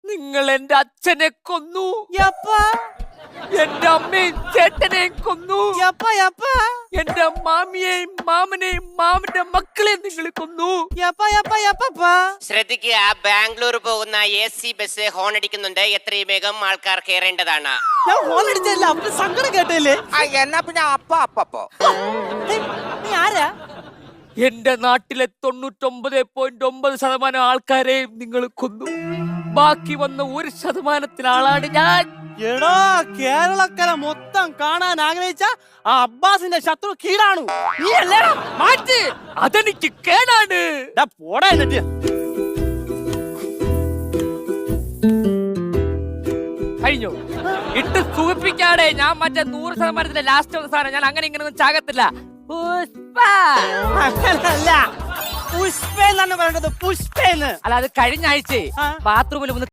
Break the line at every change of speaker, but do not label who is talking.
നിങ്ങൾ എന്റെ അച്ഛനെ കൊന്നു,
എപ്പാ
എന്റെ അമ്മയും ചേട്ടനെയും കൊന്നു,
എപ്പാ എപ്പാ
എന്റെ മാമിയെയും മാമനെയും മാമന്റെ മക്കളെയും നിങ്ങൾ കൊന്നു.
എപ്പാ എപ്പാ എപ്പാ
ശ്രദ്ധിക്കുക, ബാംഗ്ലൂർ പോകുന്ന AC ബസ് ഹോൺ അടിക്കുന്നുണ്ട്. എത്രയും വേഗം ആൾക്കാർ കയറേണ്ടതാണ്.
ഞാൻ ഫോൺ അടിച്ചല്ല, അവര് സങ്കടം കേട്ടില്ലേ?
എന്നാ പിന്നെ അപ്പോ
നീ ആരാ?
എന്റെ നാട്ടിലെ 99.9% ആൾക്കാരെയും നിങ്ങൾ കൊന്നു. ബാക്കി വന്ന 1% ആളാണ് ഞാൻ.
എടോ, കേരളക്കര മൊത്തം കാണാൻ ആഗ്രഹിച്ച ആ അബ്ബാസിന്റെ ശത്രു കീടാണു. നീ അല്ലേടാ?
മാറ്റ്, അതെനിക്ക് കേടാണ്.
പോടാ എന്നിട്ട്.
കഴിഞ്ഞു ഇട്ട് സൂചിപ്പിക്കാടെ. ഞാൻ മറ്റേ 100% ലാസ്റ്റ് വന്ന സാധനം. ഞാൻ അങ്ങനെ ഇങ്ങനെ ഒന്നും ചാകത്തില്ല. പുഷ്പ
അങ്ങനല്ല, പുഷ്പേന്നാണ് പറയേണ്ടത്, പുഷ്പേന്ന്.
അല്ല, അത് കഴിഞ്ഞ ആഴ്ച ബാത്റൂമിൽ